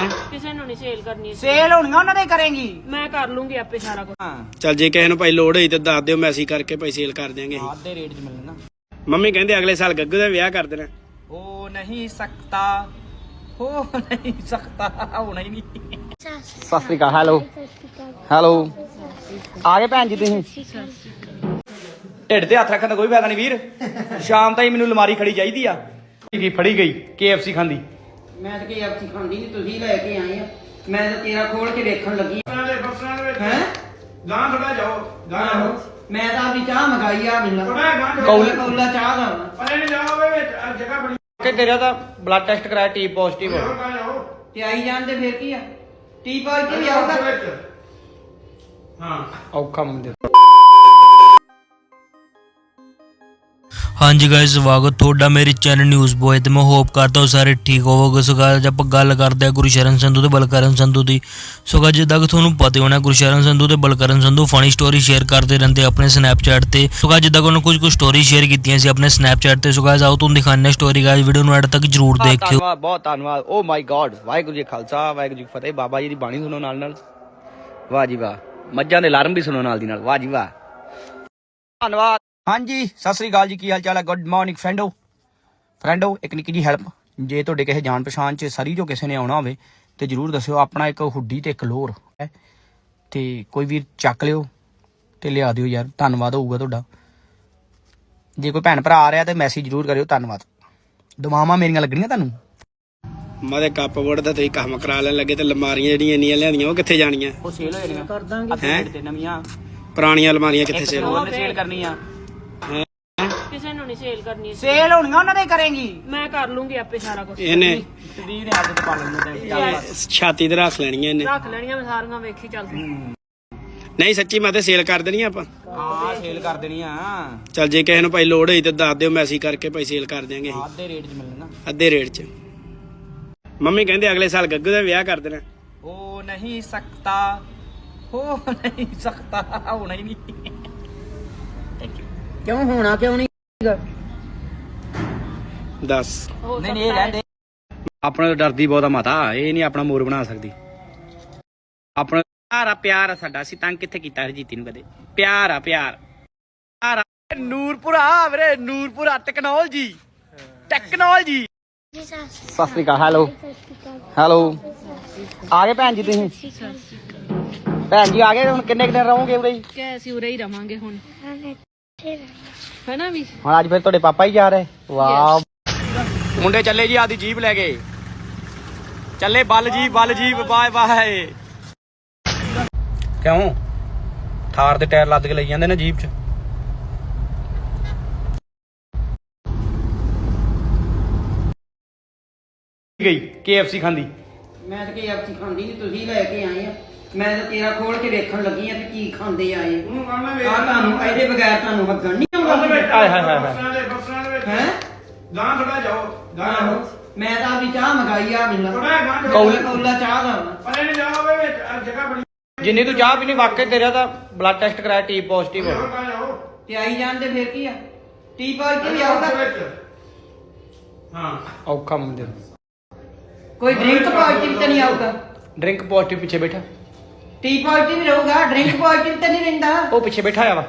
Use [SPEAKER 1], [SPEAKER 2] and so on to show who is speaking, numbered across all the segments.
[SPEAKER 1] ਕਿਸੇ ਨੂੰ ਨਹੀਂ ਸੇਲ ਕਰਨੀ।
[SPEAKER 2] ਸੇਲ ਹੋਣੀਆਂ ਉਹਨਾਂ ਦੇ ਕਰੇਂਗੀ।
[SPEAKER 1] ਮੈਂ ਕਰ ਲੂੰਗੀ ਆਪੇ ਸਾਰਾ ਕੁਝ।
[SPEAKER 3] ਚੱਲ ਜੇ ਕਿਸੇ ਨੂੰ ਭਾਈ ਲੋੜ ਹੋਈ ਤੇ ਦੱਸ ਦਿਓ, ਮੈਸੇਜ ਕਰਕੇ ਭਾਈ ਸੇਲ ਕਰ ਦਿਆਂਗੇ।
[SPEAKER 2] ਆਧੇ ਰੇਟ 'ਚ ਮਿਲਣਾ।
[SPEAKER 3] ਮੰਮੀ ਕਹਿੰਦੇ ਅਗਲੇ ਸਾਲ ਗੱਗੂ ਦਾ ਵਿਆਹ ਕਰ ਦੇਣਾ।
[SPEAKER 2] ਹੋ ਨਹੀਂ ਸਕਦਾ, ਹੋ ਨਹੀਂ ਸਕਦਾ, ਹੋਣਾ ਹੀ ਨਹੀਂ। ਸਤਿ ਸ੍ਰੀ ਅਕਾਲ। ਹੈਲੋ ਹੈਲੋ, ਆ ਗਏ ਭੈਣ ਜੀ ਤੁਸੀਂ? ਢਿੱਡ ਤੇ ਹੱਥ ਰੱਖਣ ਦਾ ਕੋਈ ਫਾਇਦਾ ਨਹੀਂ ਵੀਰ। ਸ਼ਾਮ ਤਾਈਂ ਮੈਨੂੰ ਅਲਮਾਰੀ ਖੜੀ ਚਾਹੀਦੀ ਆ। ਕੀ ਫੜੀ ਗਈ KFC ਖਾਂਦੀ?
[SPEAKER 4] ਮੈਂ ਤਾਂ KFC ਖਾਂਦੀ ਨਹੀਂ, ਤੁਸੀਂ ਲੈ ਕੇ ਆਏ ਆ। ਮੈਂ ਤਾਂ ਤੇਰਾ ਖੋਲ ਕੇ ਵੇਖਣ ਲੱਗੀ ਹੈ।
[SPEAKER 3] ਗਾਂ ਥੋੜਾ ਜਾਓ, ਗਾਂ
[SPEAKER 4] ਮੈਂ ਤਾਂ ਆਪਣੀ ਚਾਹ ਮੰਗਾਈ ਆ। ਮਿਲਣਾ ਕੌਲਾ ਚਾਹ ਦਾ
[SPEAKER 3] ਪਰੇ ਨਹੀਂ ਜਾਓਗੇ ਵਿੱਚ ਜਗ੍ਹਾ ਬੜੀ
[SPEAKER 2] ਕਿ ਤੇਰਾ ਤਾਂ ਬਲੱਡ ਟੈਸਟ ਕਰਾਇਆ, ਟੀ ਪੋਜ਼ਿਟਿਵ
[SPEAKER 4] ਤੇ ਆਈ ਜਾਂਦੇ ਫਿਰ ਕੀ ਆ? ਟੀ ਪੋਜ਼ਿਟਿਵ ਹੀ ਆਊਗਾ।
[SPEAKER 3] ਹਾਂ
[SPEAKER 2] ਔਖਾ ਮੁੰਡੇ।
[SPEAKER 5] ਹਾਂਜੀ ਗਾਇਸ, ਸਵਾਗਤ ਤੁਹਾਡਾ ਮੇਰੇ ਚੈਨਲ ਨਿਊਜ਼ ਬੋਏ ਤੇ ਮੈਂ ਹੋਪ ਕਰਦਾ ਹਾਂ ਸਾਰੇ ਠੀਕ ਹੋਵੋਗੇ। ਸੋ ਗਾਇਸ ਆਪਾਂ ਗੱਲ ਕਰਦੇ ਹਾਂ ਗੁਰਸ਼ਰਨ ਸੰਧੂ ਤੇ ਬਲਕਰਨ ਸੰਧੂ ਦੀ। ਸੋ ਗਾਇਸ ਜਿੱਦਾਂ ਕਿ ਤੁਹਾਨੂੰ ਪਤਾ ਹੋਣਾ, ਗੁਰਸ਼ਰਨ ਸੰਧੂ ਤੇ Balkaran Sandhu funny story share ਕਰਦੇ ਰਹਿੰਦੇ ਆਪਣੇ ਸਨੈਪਚੈਟ ਤੇ। ਸੋ ਗਾਇਸ ਜਿੱਦਾਂ ਕਿ ਉਹਨਾਂ ਕੁਝ ਸਟੋਰੀ ਸ਼ੇਅਰ ਕੀਤੀਆਂ ਸੀ ਆਪਣੇ ਸਨੈਪਚੈਟ ਤੇ। ਸੋ ਗਾਇਸ ਆਓ ਤੁਹਾਨੂੰ ਦਿਖਾਉਂਦੇ ਹਾਂ ਸਟੋਰੀ। ਗਾਇਸ ਵੀਡੀਓ ਨੂੰ ਐਡ ਤੱਕ ਜਰੂਰ ਦੇਖਿਓ।
[SPEAKER 2] ਧੰਨਵਾਦ, ਬਹੁਤ ਧੰਨਵਾਦ। ਓ ਮਾਈ ਗॉड, ਵਾਹਿਗੁਰੂ ਜੀ ਖਾਲਸਾ ਵਾਹਿਗੁਰੂ ਜੀ ਫਤਿਹ। ਬਾਬਾ ਜੀ ਦੀ ਬਾਣੀ ਸੁਣੋ ਨਾਲ ਨਾਲ। ਵਾਹ ਜੀ ਵਾਹ। ਮੱਝਾਂ ਦੇ ਅਲਾਰਮ ਵੀ ਸੁਣੋ ਨਾਲ ਦੀ ਨਾਲ। ਵਾਹ ਜੀ ਵਾਹ, ਧੰਨਵਾਦ। ਹਾਂਜੀ ਸਤਿ ਸ੍ਰੀ ਅਕਾਲ ਜੀ, ਕੀ ਹਾਲ ਚਾਲ ਹੈ? ਗੁੱਡ ਮਾਰਨਿੰਗ ਫਰੈਂਡੋ। ਇੱਕ ਨਿੱਕੀ ਜੀ ਹੈਲਪ, ਜੇ ਤੁਹਾਡੇ ਕਿਸੇ ਜਾਣ ਪਛਾਣ 'ਚ ਸਰੀ ਜੋ ਕਿਸੇ ਨੇ ਆਉਣਾ ਹੋਵੇ ਤੇ ਜਰੂਰ ਦੱਸਿਓ। ਆਪਣਾ ਇੱਕ ਹੁੱਡੀ ਤੇ ਇੱਕ ਲੋਰ ਹੈ ਤੇ ਕੋਈ ਵੀਰ ਚੱਕ ਲਿਓ ਤੇ ਲਿਆ ਦਿਓ ਯਾਰ, ਧੰਨਵਾਦ ਹੋਊਗਾ ਤੁਹਾਡਾ। ਜੇ ਕੋਈ ਭੈਣ ਭਰਾ ਆ ਰਿਹਾ ਤੇ ਮੈਸੇਜ ਜਰੂਰ ਕਰਿਓ। ਧੰਨਵਾਦ। ਦੁਆਵਾਂ ਮੇਰੀਆਂ ਲੱਗਣੀਆਂ ਤੁਹਾਨੂੰ।
[SPEAKER 3] ਮਾਦੇ ਕੱਪਬੋਰਡ ਦਾ ਤੁਸੀਂ ਕੰਮ ਕਰਾ ਲੈਣ ਲੱਗੇ ਤੇ ਅਲਮਾਰੀਆਂ ਜਿਹੜੀਆਂ ਇੰਨੀਆਂ ਲਿਆਂਦੀਆਂ ਉਹ ਕਿੱਥੇ ਜਾਣੀਆਂ?
[SPEAKER 2] ਉਹ ਸੇਲ ਹੋ ਜਾਣੀਆਂ ਕਰ ਦਾਂਗੇ।
[SPEAKER 3] ਹੈਂ?
[SPEAKER 2] ਤੇ ਨਵੀਆਂ
[SPEAKER 3] ਪੁਰਾਣੀਆਂ ਅਲਮਾਰੀਆਂ ਕਿੱਥੇ ਸੇਲ
[SPEAKER 2] ਉਹਨੇ ਸੇਲ ਕਰਨੀ ਆ।
[SPEAKER 1] ਕਿਸੇ ਨੂੰ ਨਹੀਂ ਸੇਲ ਕਰਨੀ।
[SPEAKER 2] ਸੇਲ ਹੋਣੀਆਂ ਉਹਨਾਂ ਦੇ ਕਰੇਂਗੀ।
[SPEAKER 1] ਮੈਂ ਕਰ ਲੂੰਗੀ ਆਪੇ ਸਾਰਾ ਕੁਝ।
[SPEAKER 3] ਇਹਨੇ
[SPEAKER 2] ਸਰੀਰ ਨੇ ਆਦਤ ਪਾ ਲੈਣੀ।
[SPEAKER 3] ਛਾਤੀ ਤੇ ਰੱਖ ਲੈਣੀਆਂ ਇਹਨੇ।
[SPEAKER 1] ਰੱਖ ਲੈਣੀਆਂ ਮੈਂ ਸਾਰੀਆਂ, ਵੇਖੀ ਚੱਲ।
[SPEAKER 3] ਨਹੀਂ ਸੱਚੀ ਮੈਂ ਤੇ ਸੇਲ ਕਰ ਦੇਣੀ ਆਪਾਂ।
[SPEAKER 2] ਹਾਂ ਸੇਲ ਕਰ ਦੇਣੀ ਆ।
[SPEAKER 3] ਚੱਲ ਜੇ ਕਿਸੇ ਨੂੰ ਭਾਈ ਲੋੜ ਹੋਈ ਤੇ ਦੱਸ ਦਿਓ, ਮੈਸੇਜ ਕਰਕੇ ਭਾਈ ਸੇਲ ਕਰ ਦਿਆਂਗੇ।
[SPEAKER 2] ਆਧੇ ਰੇਟ 'ਚ ਮਿਲਣਾ।
[SPEAKER 3] ਅੱਧੇ ਰੇਟ 'ਚ। ਮੰਮੀ ਕਹਿੰਦੇ ਅਗਲੇ ਸਾਲ ਗੱਗੂ ਦਾ ਵਿਆਹ ਕਰ ਦੇਣਾ।
[SPEAKER 2] ਹੋ ਨਹੀਂ ਸਕਦਾ, ਹੋ ਨਹੀਂ ਸਕਦਾ, ਹੋਣਾ ਹੀ ਨਹੀਂ।
[SPEAKER 4] ਕਿਉਂ ਹੋਣਾ ਕਿਉਂ ਨਹੀਂ?
[SPEAKER 3] ਦੱਸ।
[SPEAKER 2] ਨਹੀਂ ਇਹ ਰਹਿੰਦੇ। ਆਪਣਾ ਡਰਦੀ ਬਹੁਤਾ ਮਾਤਾ, ਇਹ ਨਹੀਂ ਆਪਣਾ ਮੋਰ ਬਣਾ ਸਕਦੀ। ਆਪਣਾ ਪਿਆਰ ਆ ਸਾਡਾ। ਅਸੀਂ ਤੰਗ ਕਿੱਥੇ ਕੀਤਾ ਹਰਜੀਤੀ ਨੂੰ ਕਦੇ? ਪਿਆਰ ਆ ਪਿਆਰ। ਨੂਰਪੁਰਾ ਵੀਰੇ, ਨੂਰਪੁਰਾ ਟੈਕਨੋਲੋਜੀ। ਸਤਿ ਸ੍ਰੀ ਅਕਾਲ। ਹੈਲੋ ਆ ਗਏ ਭੈਣ ਜੀ ਤੁਸੀਂ? ਭੈਣ ਜੀ ਆ ਗਏ। ਹੁਣ ਕਿੰਨੇ ਦਿਨ ਰਹੋਗੇ ਉਰੇ?
[SPEAKER 1] ਕਿ ਅਸੀਂ ਉਰੇ ਹੀ ਰਵਾਂਗੇ ਹੁਣ, ਹੈਨਾ ਵੀ।
[SPEAKER 2] ਹੁਣ ਅੱਜ ਫਿਰ ਤੁਹਾਡੇ ਪਾਪਾ ਹੀ ਜਾ ਰਹੇ? ਵਾਹ ਮੁੰਡੇ ਚੱਲੇ ਜੀ ਆਦੀ ਜੀਪ ਲੈ ਕੇ ਚੱਲੇ। ਬਲ ਜੀਪ ਬਾਏ ਬਾਏ। ਕਿਉਂ ਥਾਰ ਦੇ ਟਾਇਰ ਲੱਦ ਕੇ ਲਈ ਜਾਂਦੇ ਨੇ ਜੀਪ 'ਚ। ਗਈ KFC ਖਾਂਦੀ।
[SPEAKER 4] ਮੈਂ ਤਾਂ KFC ਖਾਂਦੀ ਨਹੀਂ, ਤੁਸੀਂ ਲੈ ਕੇ ਆਏ ਆ। ਮੈਂ ਤਾਂ ਤੇਰਾ ਖੋਲ ਕੇ ਵੇਖਣ ਲੱਗੀ ਆ ਤੇ ਕੀ ਖਾਂਦੇ ਆਏ। ਆ ਤੁਹਾਨੂੰ ਇਹਦੇ ਬਗੈਰ ਤੁਹਾਨੂੰ ਵਗਣ ਨਹੀਂ ਆਉਂਦਾ।
[SPEAKER 2] ਹਾਏ ਹਾਏ ਹਾਏ
[SPEAKER 4] ਹੈ
[SPEAKER 3] ਗਾਂ ਥੋੜਾ ਜਾਓ, ਗਾਂ
[SPEAKER 4] ਮੈਂ ਤਾਂ ਆਪਣੀ ਚਾਹ ਮੰਗਾਈ ਆ। ਮਿਲਣਾ ਕੌਲਾ ਚਾਹ ਦਾ
[SPEAKER 3] ਪਰੇ ਨਹੀਂ ਜਾਓਗੇ ਵਿੱਚ ਜਗ੍ਹਾ ਬੜੀ
[SPEAKER 2] ਜਿੰਨੀ ਤੂੰ ਚਾਹ ਪੀਣੀ। ਵਾਕਈ ਤੇਰਾ ਤਾਂ ਬਲੱਡ ਟੈਸਟ ਕਰਾਇਆ, ਟੀ ਪੋਜ਼ਿਟਿਵ
[SPEAKER 4] ਤੇ ਆਈ ਜਾਂਦੇ ਫਿਰ ਕੀ ਆ? ਟੀ ਪੋਜ਼ਿਟਿਵ ਹੀ ਆਊਗਾ।
[SPEAKER 3] ਹਾਂ
[SPEAKER 2] ਔਖਾ ਮੁੰਡੇ।
[SPEAKER 4] ਕੋਈ ਡਰਿੰਕ ਪੋਜ਼ਿਟਿਵ ਤਾਂ ਨਹੀਂ ਆਊਗਾ?
[SPEAKER 2] ਡਰਿੰਕ ਪੋਜ਼ਿਟਿਵ ਪਿੱਛੇ ਬੈਠਾ।
[SPEAKER 4] ਟੀ ਪੋਜ਼ਿਟਿਵ ਰਹੂਗਾ, ਡਰਿੰਕ ਪੋਜ਼ਿਟਿਵ ਤਾਂ ਨਹੀਂ ਰਹਿੰਦਾ।
[SPEAKER 2] ਉਹ ਪਿੱਛੇ ਬੈਠਾ ਆ ਵਾ।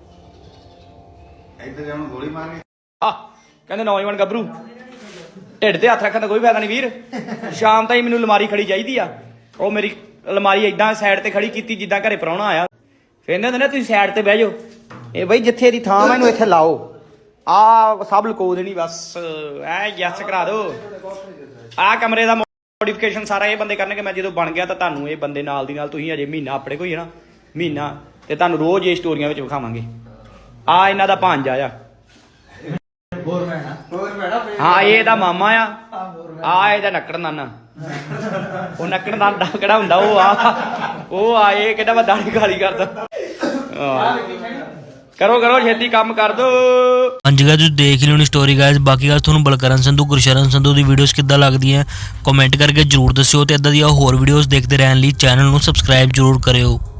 [SPEAKER 3] ਇੱਧਰ ਜਾਉਣ ਗੋਲੀ ਮਾਰਨੀ।
[SPEAKER 2] ਆ ਕਹਿੰਦੇ ਨੌਜਵਾਨ ਗੱਭਰੂ। ਢਿੱਡ ਤੇ ਹੱਥ ਰੱਖਣ ਦਾ ਕੋਈ ਫਾਇਦਾ ਨਹੀਂ ਵੀਰ। ਸ਼ਾਮ ਤਾਈਂ ਮੈਨੂੰ ਅਲਮਾਰੀ ਖੜੀ ਚਾਹੀਦੀ ਆ। ਉਹ ਮੇਰੀ ਅਲਮਾਰੀ ਏਦਾਂ ਸਾਈਡ ਤੇ ਖੜੀ ਕੀਤੀ ਜਿੱਦਾਂ ਘਰੇ ਪ੍ਰਾਹੁਣਾ ਆਇਆ। ਫਿਰ ਕਹਿੰਦੇ ਨੇ ਤੁਸੀਂ ਸਾਈਡ ਤੇ ਬਹਿ ਜਾਓ। ਇਹ ਬਈ ਜਿੱਥੇ ਇਹਦੀ ਥਾਂ ਵਾ ਇਹਨੂੰ ਇੱਥੇ ਲਾਓ। ਆ ਸਭ ਲੁਕੋ ਦੇਣੀ ਬਸ। ਐ ਯੈਸ ਕਰਾ ਦਿਓ। ਆ ਕਮਰੇ ਦਾ ਮੋਡੀਫਿਕੇਸ਼ਨ ਸਾਰਾ ਇਹ ਬੰਦੇ ਕਰਨਗੇ। ਮੈਂ ਜਦੋਂ ਬਣ ਗਿਆ ਤਾਂ ਤੁਹਾਨੂੰ ਇਹ ਬੰਦੇ ਨਾਲ ਦੀ ਨਾਲ, ਤੁਸੀਂ ਅਜੇ ਮਹੀਨਾ ਆਪਣੇ ਕੋਈ ਹੈ ਨਾ, ਮਹੀਨਾ ਤੇ ਤੁਹਾਨੂੰ ਰੋਜ਼ ਇਹ ਸਟੋਰੀਆਂ ਵਿੱਚ ਵਿਖਾਵਾਂਗੇ। ਆ ਇਹਨਾਂ ਦਾ ਭਾਂਜਾ ਆ। ਹਾਂ ਇਹ ਇਹਦਾ ਮਾਮਾ ਆ ਇਹਦਾ ਨੱਕੜ ਨਾਨਾ। ਉਹ ਨੱਕੜ ਨਾਨਾ ਕਿਹੜਾ ਹੁੰਦਾ? ਉਹ ਆ ਇਹ ਕਿਹੜਾ ਵਾ ਦਾੜੀ ਗਾਲੀ ਕਰਦਾ। ਕਰੋ ਛੇਤੀ ਕੰਮ ਕਰ ਦੋ।
[SPEAKER 5] ਹਾਂਜੀ ਗਾਇਸ ਤੁਸੀਂ ਦੇਖ ਲਿਓ ਨੀ ਸਟੋਰੀ ਗਾਇਸ। ਬਾਕੀ ਗੱਲ ਤੁਹਾਨੂੰ ਬਲਕਰਨ ਸੰਧੂ ਗੁਰਸ਼ਰਨ ਸੰਧੂ ਦੀ ਵੀਡੀਓਜ਼ ਕਿੱਦਾਂ ਲੱਗਦੀਆਂ ਕਮੈਂਟ ਕਰਕੇ ਜਰੂਰ ਦੱਸਿਓ ਤੇ ਇਦਾਂ ਦੀਆਂ ਹੋਰ ਵੀਡੀਓਜ਼ ਦੇਖਦੇ ਰਹਿਣ ਲਈ ਚੈਨਲ ਨੂੰ ਸਬਸਕ੍ਰਾਈਬ ਜਰੂਰ ਕਰਿਓ।